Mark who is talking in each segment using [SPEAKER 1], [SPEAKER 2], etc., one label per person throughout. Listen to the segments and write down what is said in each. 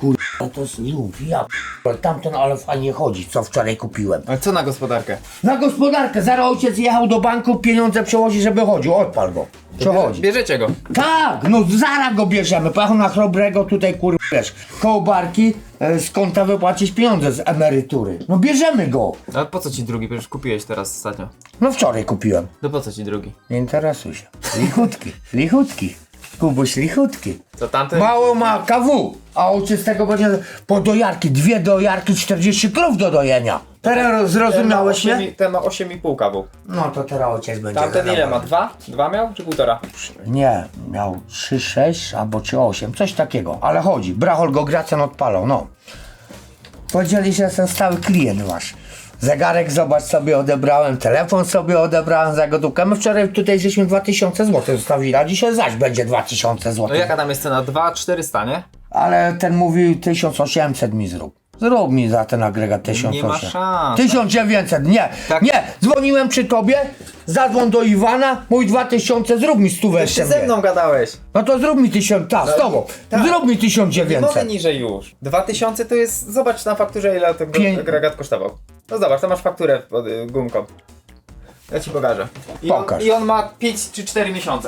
[SPEAKER 1] kurwa, to jest lub, ja p***, tamten ale fajnie chodzi, co wczoraj kupiłem.
[SPEAKER 2] Ale co na gospodarkę?
[SPEAKER 1] Na gospodarkę, zaraz ojciec jechał do banku, pieniądze przewozi, żeby chodził, odpal go. Przechodzi.
[SPEAKER 2] Bierzecie go.
[SPEAKER 1] Tak, no zaraz go bierzemy, pojechał na Chrobrego, tutaj kurwa, wiesz, koło barki, z konta wypłacić pieniądze z emerytury. No bierzemy go.
[SPEAKER 2] Ale po co ci drugi? Przecież kupiłeś teraz ostatnio.
[SPEAKER 1] No wczoraj kupiłem.
[SPEAKER 2] No po co ci drugi?
[SPEAKER 1] Nie interesuj się. Lichutki, lichutki. Kubuś lichutki.
[SPEAKER 2] Co tamten?
[SPEAKER 1] Mało ma KW, a ojciec z tego będzie po dojarki, 2 dojarki, 40 krów do dojenia. Teraz zrozumiałeś, nie?
[SPEAKER 2] Ten ma 8,5 kawu.
[SPEAKER 1] No to teraz ojciec będzie
[SPEAKER 2] Tamten ile ma?
[SPEAKER 1] zadowolony.
[SPEAKER 2] 2? 2 miał czy 1,5?
[SPEAKER 1] Nie, miał 3, 6 albo 3, 8, coś takiego, ale chodzi. Brachol go Gracjan odpalał, no. Powiedzieli, że jestem stały klient wasz. Zegarek, zobacz, sobie odebrałem, telefon sobie odebrałem za gotówkę. My wczoraj tutaj żeśmy 2000 zł zostawili, a dzisiaj zaś będzie 2000 zł.
[SPEAKER 2] No jaka tam jest cena? 2,400, nie?
[SPEAKER 1] Ale ten mówił 1800 mi zrób. Zrób mi za ten agregat 1800.
[SPEAKER 2] Nie ma szans.
[SPEAKER 1] 1900, nie,
[SPEAKER 2] Tak.
[SPEAKER 1] nie. Dzwoniłem przy tobie, zadzwoń do Iwana, mój 2000, zrób mi stówę
[SPEAKER 2] Jeszcze
[SPEAKER 1] jeszcze
[SPEAKER 2] ze
[SPEAKER 1] mnie.
[SPEAKER 2] mną gadałeś.
[SPEAKER 1] No to zrób mi 1000, tak, z tobą.
[SPEAKER 2] tak.
[SPEAKER 1] Zrób mi
[SPEAKER 2] Nie mogę
[SPEAKER 1] 1900.
[SPEAKER 2] niżej już. 2000 to jest, zobacz na fakturze ile ten agregat kosztował. No zobacz, tam masz fakturę pod gumką. Ja ci pokażę.
[SPEAKER 1] Pokaż.
[SPEAKER 2] I on ma 5 czy 4 miesiące.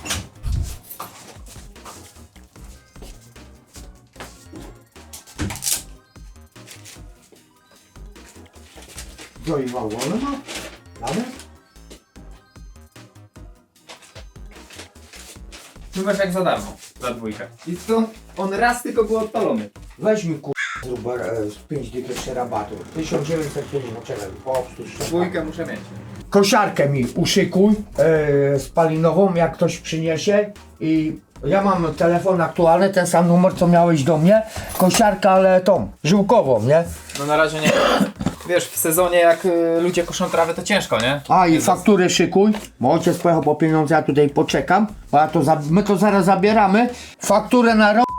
[SPEAKER 1] Do Iwana, no? Mamy?
[SPEAKER 2] Zobacz jak za darmo. Za dwójkę. I to on raz tylko był odpalony.
[SPEAKER 1] Weź mi zrób z 5 dych jeszcze rabatu. 1950, czekaj, po obsłuż.
[SPEAKER 2] Dwójkę muszę mieć.
[SPEAKER 1] Kosiarkę mi uszykuj spalinową, jak ktoś przyniesie i ja mam telefon aktualny, ten sam numer co miałeś do mnie, kosiarkę, ale tą, żyłkową, nie?
[SPEAKER 2] No na razie nie. Wiesz, w sezonie jak ludzie koszą trawę to ciężko, nie?
[SPEAKER 1] A i fakturę szykuj, bo ojciec pojechał po pieniądze, ja tutaj poczekam, bo ja to my to zaraz zabieramy, fakturę na rok.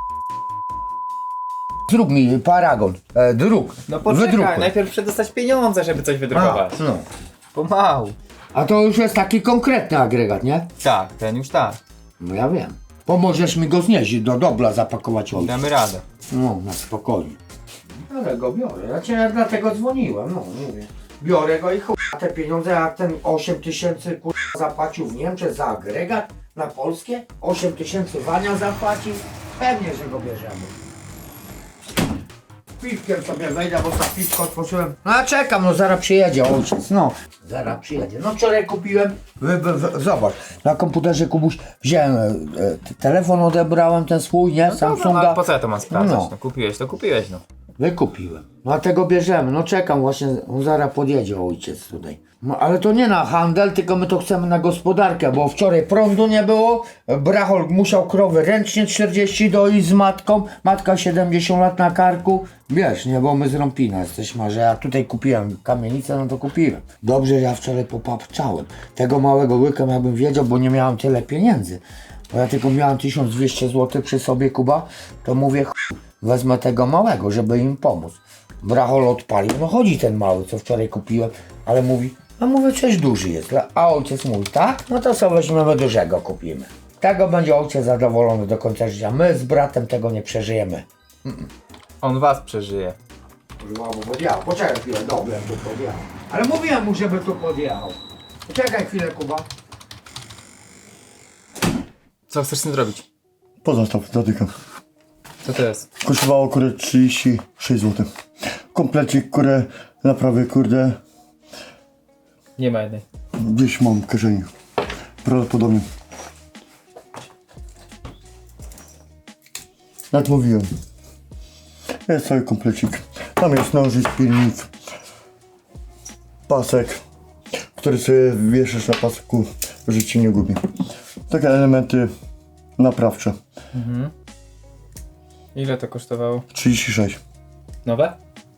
[SPEAKER 1] Zrób mi paragon, druk,
[SPEAKER 2] No poczekaj,
[SPEAKER 1] wydrukuj.
[SPEAKER 2] najpierw przedostać pieniądze, żeby coś
[SPEAKER 1] A,
[SPEAKER 2] wydrukować.
[SPEAKER 1] no.
[SPEAKER 2] Pomału.
[SPEAKER 1] A to już jest taki konkretny agregat, nie?
[SPEAKER 2] Tak, ten już tak.
[SPEAKER 1] No ja wiem. Pomożesz mi go znieść, do dobla zapakować ojca.
[SPEAKER 2] Damy radę.
[SPEAKER 1] No, na spokojnie. Biorę go, biorę. Ja cię dlatego dzwoniłem, no mówię. Biorę go i chuj, te pieniądze, jak ten 8000 zapłacił w Niemczech za agregat na polskie, 8000 Wania zapłacił, pewnie, że go bierzemy. Piwkiem sobie wejdę, bo za piwko otworzyłem. No ja czekam, no zaraz przyjedzie ojciec, no. Zaraz przyjedzie. No wczoraj kupiłem, zobacz, na komputerze Kubuś wziąłem, telefon odebrałem ten swój, nie, Samsunga.
[SPEAKER 2] No, po co ja to mam sprawdzać?
[SPEAKER 1] No.
[SPEAKER 2] No kupiłeś, to kupiłeś, no.
[SPEAKER 1] Wykupiłem. No a tego bierzemy. No czekam właśnie, on zaraz podjedzie ojciec tutaj. No ale to nie na handel, tylko my to chcemy na gospodarkę, bo wczoraj prądu nie było. Brachol musiał krowy ręcznie 40 doić z matką. Matka 70 lat na karku. Wiesz, nie, bo my z Rąpina jesteśmy, że ja tutaj kupiłem kamienicę, no to kupiłem. Dobrze, że ja wczoraj popapczałem. Tego małego łyka jakbym wiedział, bo nie miałem tyle pieniędzy. Bo ja tylko miałem 1200 zł przy sobie, Kuba, to mówię, wezmę tego małego, żeby im pomóc. Brachol odpalił, no chodzi ten mały, co wczoraj kupiłem, ale mówi, a mówię, coś duży jest, a ojciec mówi, tak? No to sobie weźmiemy dużego, kupimy. Tego będzie ojciec zadowolony do końca życia, my z bratem tego nie przeżyjemy.
[SPEAKER 2] On was przeżyje.
[SPEAKER 1] Podjechał, poczekaj chwilę, dobrze, tu podjechał. Ale mówiłem mu, żeby tu podjechał. Poczekaj chwilę, Kuba.
[SPEAKER 2] Co chcesz z tym zrobić?
[SPEAKER 3] Pozostaw, zatykam.
[SPEAKER 2] Co to jest?
[SPEAKER 3] Kosztowało kurde 36 zł. Komplecik kurde naprawy kurde
[SPEAKER 2] Nie ma jednej.
[SPEAKER 3] gdzieś mam w kieszeni. Prawdopodobnie. Jak mówiłem. Jest cały komplecik. Tam jest nożyc, pilnik, pasek, który sobie wieszasz na pasku, że ci nie gubi. Takie elementy naprawcze.
[SPEAKER 2] Ile to kosztowało?
[SPEAKER 3] 36.
[SPEAKER 2] Nowe?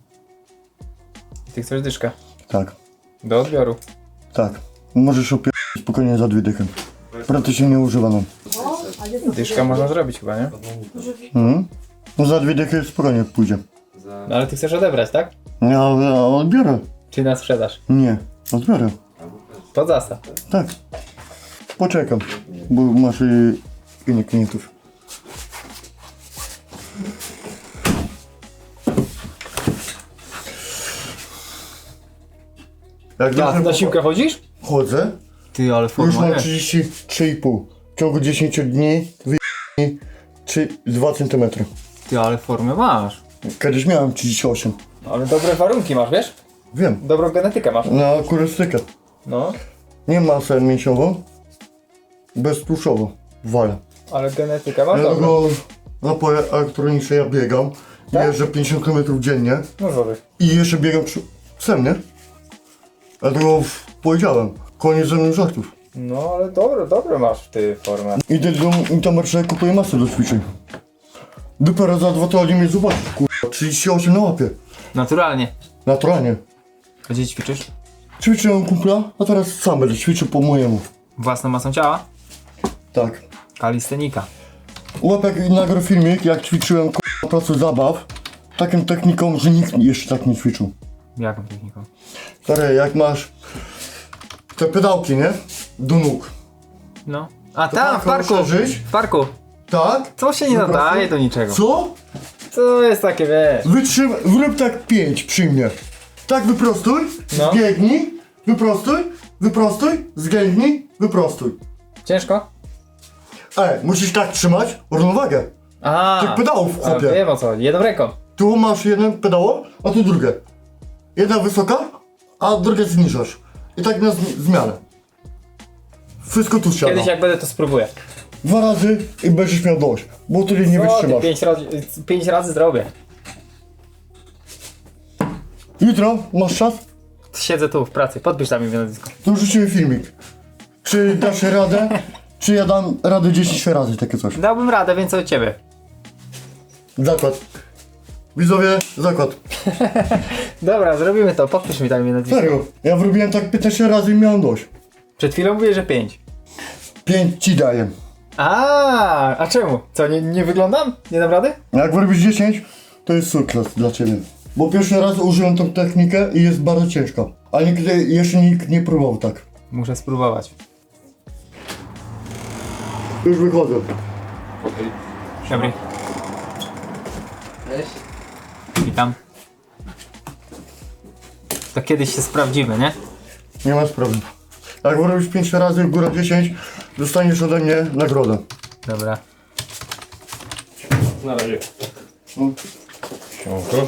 [SPEAKER 2] Ty chcesz dyszkę?
[SPEAKER 3] Tak.
[SPEAKER 2] Do odbioru.
[SPEAKER 3] Tak. Możesz opierać spokojnie za 2 dychy. Praktycznie nie używano.
[SPEAKER 2] Dyszka można zrobić chyba, nie?
[SPEAKER 3] No za 2 dychy spokojnie pójdzie.
[SPEAKER 2] No ale ty chcesz odebrać, tak?
[SPEAKER 3] Ja odbiorę.
[SPEAKER 2] Czy na sprzedaż?
[SPEAKER 3] Nie, odbiorę.
[SPEAKER 2] Pod zastaw.
[SPEAKER 3] Tak. Poczekam, bo masz innych klientów. Jak
[SPEAKER 2] Ja,
[SPEAKER 3] dobrze
[SPEAKER 2] na siłkę chodzisz?
[SPEAKER 3] chodzę,
[SPEAKER 2] Ty, ale
[SPEAKER 3] już
[SPEAKER 2] forma
[SPEAKER 3] mam
[SPEAKER 2] jest.
[SPEAKER 3] 33,5. W ciągu 10 dni 2 cm.
[SPEAKER 2] Ty, ale formę masz.
[SPEAKER 3] Kiedyś miałem 38.
[SPEAKER 2] Ale dobre warunki masz, wiesz?
[SPEAKER 3] Wiem,
[SPEAKER 2] Dobrą genetykę masz.
[SPEAKER 3] na kurystykę.
[SPEAKER 2] No,
[SPEAKER 3] Nie masę mięsiową, beztłuszczową. Wale.
[SPEAKER 2] ale genetykę masz
[SPEAKER 3] Ja
[SPEAKER 2] dobrą.
[SPEAKER 3] tego napoje elektroniczne ja biegam.
[SPEAKER 2] Tak?
[SPEAKER 3] Jeżdżę 50 km dziennie
[SPEAKER 2] No żory.
[SPEAKER 3] i jeszcze biegam psem, nie? Dlatego powiedziałem, koniec ze mną żartów.
[SPEAKER 2] No, ale dobre masz ty formę.
[SPEAKER 3] Idę do Intermarché, kupuję masę do ćwiczeń. Dopiero za 2 tygodnie mnie zobaczysz, kurwa. 38 na łapie.
[SPEAKER 2] Naturalnie.
[SPEAKER 3] Naturalnie.
[SPEAKER 2] A gdzie ćwiczysz?
[SPEAKER 3] Ćwiczyłem kumpla, a teraz sam będę ćwiczył po mojemu.
[SPEAKER 2] Własną masą ciała?
[SPEAKER 3] Tak.
[SPEAKER 2] Kalistenika.
[SPEAKER 3] Łapek nagrał filmik, jak ćwiczyłem kurwa, placu zabaw. Taką techniką, że nikt jeszcze tak nie ćwiczył.
[SPEAKER 2] Jaką techniką?
[SPEAKER 3] Stary, jak masz te pedałki, nie? Do nóg.
[SPEAKER 2] No. A
[SPEAKER 3] To
[SPEAKER 2] tam,
[SPEAKER 3] tak,
[SPEAKER 2] w parku.
[SPEAKER 3] rozszerzyć?
[SPEAKER 2] W parku.
[SPEAKER 3] Tak?
[SPEAKER 2] To się nie
[SPEAKER 3] Wyprostuj.
[SPEAKER 2] nadaje do niczego.
[SPEAKER 3] Co?
[SPEAKER 2] To jest takie, wiesz.
[SPEAKER 3] Zrób tak 5 przy mnie. Tak wyprostuj,
[SPEAKER 2] No.
[SPEAKER 3] zbiegnij, wyprostuj, zgięgnij, wyprostuj.
[SPEAKER 2] Ciężko?
[SPEAKER 3] Musisz tak trzymać równowagę. Tych pedałów,
[SPEAKER 2] a
[SPEAKER 3] chłopie.
[SPEAKER 2] wiem o co chodzi. Jedną ręką.
[SPEAKER 3] Tu masz jeden pedało, a tu drugie. Jedna wysoka, a drugie zniżasz. I tak na zmianę. Wszystko tu siada.
[SPEAKER 2] Kiedyś jak będę to spróbuję.
[SPEAKER 3] 2 razy i będziesz miał dość, bo wtedy nie
[SPEAKER 2] Co ty,
[SPEAKER 3] wytrzymasz.
[SPEAKER 2] 5 razy zrobię.
[SPEAKER 3] Jutro masz czas?
[SPEAKER 2] Siedzę tu w pracy, podpisz tam mi nazwisko.
[SPEAKER 3] To wrzucimy filmik. Czy dasz radę? Czy ja dam radę 10 razy takie coś?
[SPEAKER 2] Dałbym radę, więcej od ciebie.
[SPEAKER 3] Zakład. Widzowie, zakład.
[SPEAKER 2] Dobra, zrobimy to, podpisz mi tam mi nazwisko.
[SPEAKER 3] Serio, ja wrobiłem tak 15 razy i miałem dość.
[SPEAKER 2] Przed chwilą mówię, że 5.
[SPEAKER 3] 5 ci daję.
[SPEAKER 2] A czemu? Co, nie wyglądam? Nie dam rady?
[SPEAKER 3] Jak wyrobisz 10, to jest sukces dla ciebie. Bo pierwszy raz użyłem tą technikę i jest bardzo ciężka. A nigdy jeszcze nikt nie próbował tak.
[SPEAKER 2] Muszę spróbować.
[SPEAKER 3] Już wychodzę.
[SPEAKER 2] Dobry.
[SPEAKER 4] Cześć.
[SPEAKER 2] Witam. To kiedyś się sprawdzimy, nie?
[SPEAKER 3] Nie ma sprawy. Jak wyrobisz 5 razy, góra 10, dostaniesz ode mnie nagrodę.
[SPEAKER 2] Dobra.
[SPEAKER 4] Na razie.
[SPEAKER 3] No.
[SPEAKER 4] Siemanko.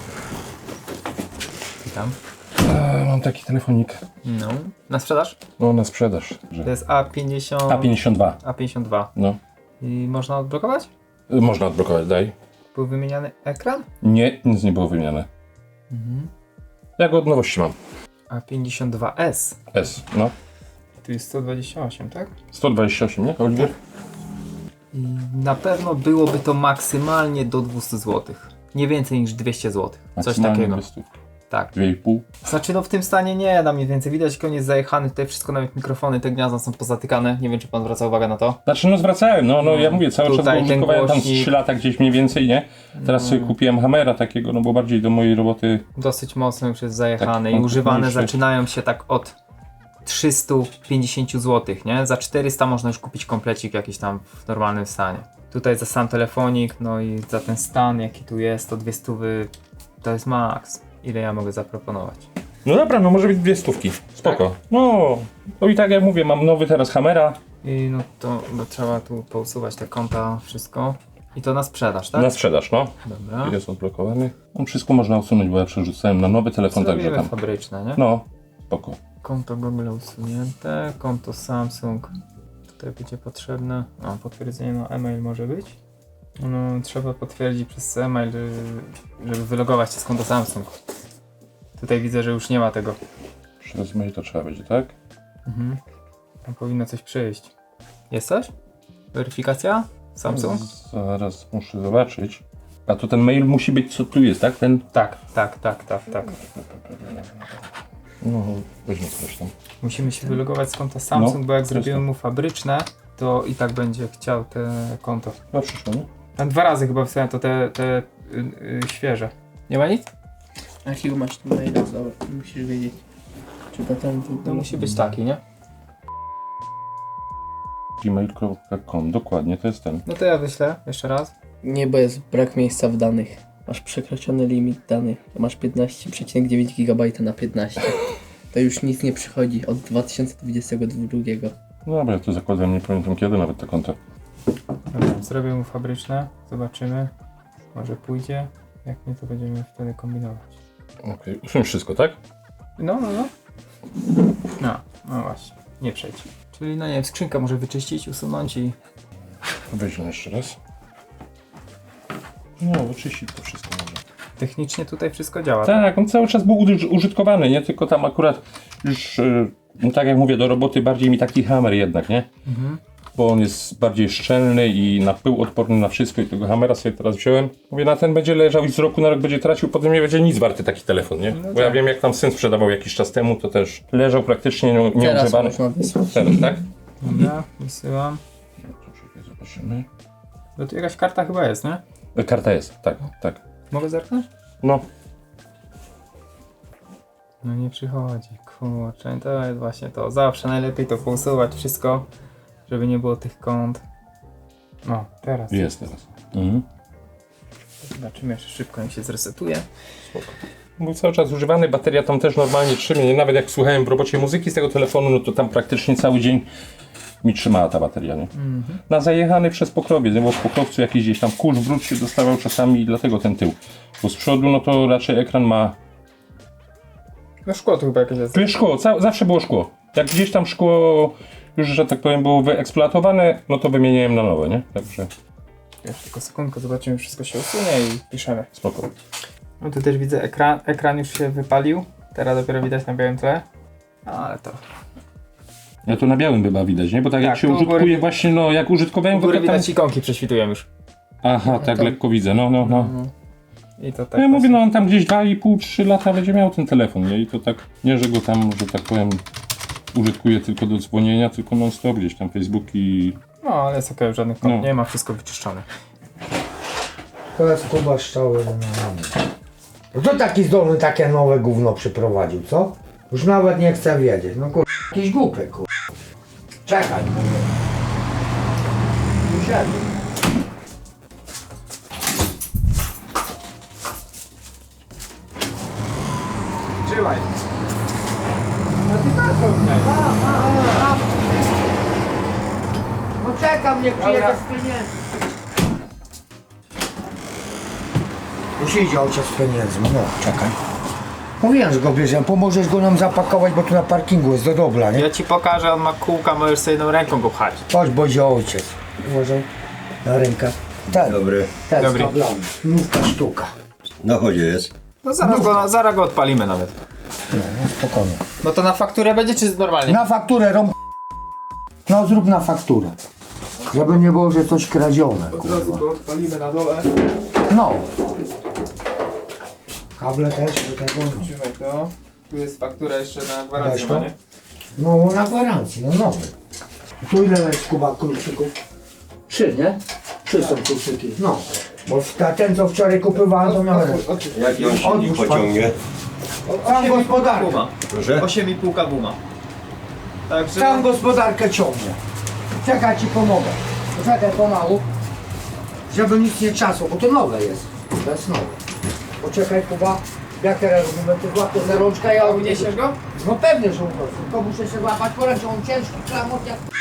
[SPEAKER 2] Witam.
[SPEAKER 4] Mam taki telefonik.
[SPEAKER 2] No. Na sprzedaż?
[SPEAKER 4] No na sprzedaż. Że...
[SPEAKER 2] To jest A50...
[SPEAKER 4] A52.
[SPEAKER 2] A52.
[SPEAKER 4] No.
[SPEAKER 2] I można odblokować?
[SPEAKER 4] Można odblokować, daj.
[SPEAKER 2] Był wymieniany ekran?
[SPEAKER 4] Nie, nic nie było wymieniane. Ja go od nowości mam.
[SPEAKER 2] A52S.
[SPEAKER 4] S, no.
[SPEAKER 2] Tu jest 128, tak?
[SPEAKER 4] 128, nie? Oliwier?
[SPEAKER 2] I na pewno byłoby to maksymalnie do 200 zł. Nie więcej niż 200 zł. Coś
[SPEAKER 4] Maksymalnie
[SPEAKER 2] takiego.
[SPEAKER 4] 200.
[SPEAKER 2] Tak.
[SPEAKER 4] 2,5.
[SPEAKER 2] Znaczy no w tym stanie nie da mniej więcej. Widać, że on jest zajechany. Tutaj wszystko, nawet mikrofony, te gniazda są pozatykane. Nie wiem, czy pan zwraca uwagę na to.
[SPEAKER 4] Znaczy no zwracałem, no ja mówię, cały czas
[SPEAKER 2] Tutaj
[SPEAKER 4] go
[SPEAKER 2] ten
[SPEAKER 4] użytkowałem tam z
[SPEAKER 2] głośnik.
[SPEAKER 4] 3 lata gdzieś mniej więcej, nie? Teraz sobie kupiłem Hammera takiego, no bo bardziej do mojej roboty.
[SPEAKER 2] Dosyć mocno już jest zajechany
[SPEAKER 4] Tak,
[SPEAKER 2] i używane
[SPEAKER 4] mniejszy.
[SPEAKER 2] zaczynają się tak od 350 zł, nie? Za 400 można już kupić komplecik jakiś tam w normalnym stanie. Tutaj za sam telefonik, no i za ten stan jaki tu jest, to 200 to jest maks. Ile ja mogę zaproponować?
[SPEAKER 4] No dobra, no może być 200. Spoko. No i tak jak mówię, mam nowy teraz Hammera.
[SPEAKER 2] I no to trzeba tu pousuwać te konta, wszystko. I to na sprzedaż, tak?
[SPEAKER 4] Na sprzedaż, no.
[SPEAKER 2] Dobra.
[SPEAKER 4] Jest odblokowany. No wszystko można usunąć, bo ja przerzucałem na nowy telefon, także
[SPEAKER 2] Zrobimy
[SPEAKER 4] tam.
[SPEAKER 2] fabryczne, nie?
[SPEAKER 4] No, spoko.
[SPEAKER 2] Konto Google usunięte, konto Samsung tutaj będzie potrzebne. Potwierdzenie na e-mail może być. No, trzeba potwierdzić przez e-mail, żeby wylogować się z konta Samsung. Tutaj widzę, że już nie ma tego.
[SPEAKER 4] Przez mail to trzeba będzie, tak?
[SPEAKER 2] Tam powinno coś przyjść. Jest coś? Weryfikacja? Samsung?
[SPEAKER 4] Zaraz muszę zobaczyć. A to ten mail musi być, co tu jest, tak? Ten?
[SPEAKER 2] Tak.
[SPEAKER 4] No, weźmy coś tam.
[SPEAKER 2] Musimy się wylogować z konta Samsung, bo jak
[SPEAKER 4] jest
[SPEAKER 2] zrobimy
[SPEAKER 4] to.
[SPEAKER 2] mu fabryczne, to i tak będzie chciał te konto.
[SPEAKER 4] Chyba przyszło, nie?
[SPEAKER 2] Tam 2 razy chyba wstałem to te świeże. Nie ma nic?
[SPEAKER 5] A jakiego masz tu maila? Zobacz, musisz wiedzieć. Czy potem tu...
[SPEAKER 2] To musi być taki, nie?
[SPEAKER 4] gmail.com, dokładnie, to jest ten.
[SPEAKER 2] No to ja wyślę jeszcze raz.
[SPEAKER 5] Nie, bo jest brak miejsca w danych. Masz przekroczony limit danych. Masz 15,9 GB na 15. to już nic nie przychodzi od 2022.
[SPEAKER 4] Dobra, ja to zakładam, nie pamiętam kiedy nawet te konta.
[SPEAKER 2] Dobra, zrobię mu fabryczne, zobaczymy. Może pójdzie. Jak nie, to będziemy wtedy kombinować.
[SPEAKER 4] Okej, usuń wszystko, tak?
[SPEAKER 2] No. No właśnie, nie przejdź. Czyli no nie wiem, skrzynkę może wyczyścić, usunąć i...
[SPEAKER 4] Weźmy jeszcze raz. No, wyczyścić to wszystko może.
[SPEAKER 2] Technicznie tutaj wszystko działa.
[SPEAKER 4] Tak, on cały czas był użytkowany, nie? Tylko tam akurat już, no tak jak mówię, do roboty bardziej mi taki hammer jednak, nie? Bo on jest bardziej szczelny i na pył odporny na wszystko i tego hammera sobie teraz wziąłem. Mówię, na ten będzie leżał i z roku na rok będzie tracił, potem nie będzie nic warty taki telefon, nie? Bo ja wiem, jak tam syn sprzedawał jakiś czas temu, to też leżał praktycznie
[SPEAKER 5] Teraz
[SPEAKER 4] nieużywany.
[SPEAKER 5] można wysłać.
[SPEAKER 4] Teraz, tak?
[SPEAKER 2] Dobra, wysyłam.
[SPEAKER 4] Zobaczymy.
[SPEAKER 2] No tu jakaś karta chyba jest, nie?
[SPEAKER 4] Karta jest, tak, tak.
[SPEAKER 2] Mogę zerknąć?
[SPEAKER 4] No,
[SPEAKER 2] No nie przychodzi, kurczę, to jest właśnie to. Zawsze najlepiej to pousuwać wszystko, żeby nie było tych kąt. No, teraz.
[SPEAKER 4] jest teraz. Mhm.
[SPEAKER 2] Zobaczymy jeszcze szybko, jak się zresetuje.
[SPEAKER 4] Był cały czas używany, bateria tam też normalnie trzymie. Nawet jak słuchałem w robocie muzyki z tego telefonu, no to tam praktycznie cały dzień mi trzymała ta bateria, nie? Na zajechany przez pokrowiec, nie? Bo w pokrowcu jakiś gdzieś tam kurz, brud się dostawał czasami i dlatego ten tył. Bo z przodu, no to raczej ekran ma...
[SPEAKER 2] No szkło tu chyba jakieś jest.
[SPEAKER 4] Tu jest szkło, zawsze było szkło. Jak gdzieś tam szkło już, że tak powiem, było wyeksploatowane, no to wymieniałem na nowe, nie? Także
[SPEAKER 2] Jeszcze tylko sekundkę, zobaczymy, wszystko się usunie i piszemy.
[SPEAKER 4] spoko.
[SPEAKER 2] No tu też widzę ekran już się wypalił. Teraz dopiero widać na białym tle. No ale to...
[SPEAKER 4] Ja to na białym chyba widać, nie? Bo tak jak
[SPEAKER 2] Tak,
[SPEAKER 4] się
[SPEAKER 2] tu u góry-
[SPEAKER 4] użytkuje właśnie, no jak użytkowałem
[SPEAKER 2] W
[SPEAKER 4] go,
[SPEAKER 2] górę
[SPEAKER 4] to tam...
[SPEAKER 2] widać ikonki prześwitują już.
[SPEAKER 4] Aha, tak lekko widzę, no.
[SPEAKER 2] I to tak
[SPEAKER 4] No ja mówię,
[SPEAKER 2] właśnie.
[SPEAKER 4] no on tam gdzieś 2,5-3 lata będzie miał ten telefon, nie? I to tak, nie, że go tam, że tak powiem, użytkuje tylko do dzwonienia, tylko non stop gdzieś tam Facebook i...
[SPEAKER 2] No ale jest okej, żadnych kąt
[SPEAKER 4] No.
[SPEAKER 2] nie ma, wszystko wyczyszczone.
[SPEAKER 1] To jest Kuba Szczały. No to taki zdolny takie nowe gówno przyprowadził, co? Już nawet nie chcę wiedzieć. No kur... jakiś głupy, kur... Czekaj. Usiadł.
[SPEAKER 2] Trzymaj.
[SPEAKER 1] No czekam, niech przyjedzie z pieniędzy. Już idzie ojciec z pieniędzmi, no czekaj. Mówiłem, że go bierzemy, pomożesz go nam zapakować, bo tu na parkingu jest do dobra, nie?
[SPEAKER 2] Ja ci pokażę, on ma kółka, możesz sobie jedną ręką go pchać.
[SPEAKER 1] Chodź, bo idzie ojciec. Uważaj na rękę. Ten,
[SPEAKER 6] Dobry.
[SPEAKER 1] ten
[SPEAKER 2] Dobry.
[SPEAKER 1] z kablami. Nówka sztuka.
[SPEAKER 6] Na chodzie jest.
[SPEAKER 2] No zaraz go odpalimy nawet.
[SPEAKER 1] No, no spokojnie.
[SPEAKER 2] No to na fakturę będzie czy normalnie?
[SPEAKER 1] Na fakturę rąb... No zrób na fakturę. Żeby nie było, że coś kradzione, kurwa.
[SPEAKER 2] go odpalimy na dole.
[SPEAKER 1] No. Kable też do tego.
[SPEAKER 2] Trzymaj to. Tu jest faktura jeszcze na
[SPEAKER 1] Weź
[SPEAKER 2] gwarancję,
[SPEAKER 1] to.
[SPEAKER 2] ma, nie?
[SPEAKER 1] No na gwarancji, no nowy. Tu ile jest Kuba kluczyków? 3, nie? 3 są kluczyki. No. Bo ten co wczoraj kupowałem to miałem.
[SPEAKER 6] Jaki on silnik
[SPEAKER 1] Odłóż
[SPEAKER 6] pociągnie?
[SPEAKER 1] Tam gospodarkę.
[SPEAKER 2] Guma.
[SPEAKER 6] Proszę?
[SPEAKER 2] 8,5 guma. Także...
[SPEAKER 1] Tam gospodarkę ciągnie. Czekaj, ci pomogę. Poczekaj pomału. Żeby nic nie trzasło, bo to nowe jest. To jest nowe. Poczekaj Kuba. Jak teraz robimy? Ty złapiesz za rączkę, ja
[SPEAKER 2] Uniesiesz go?
[SPEAKER 1] No pewnie, że uproszę. Tylko muszę się złapać po ręce, on ciężki klamot jak...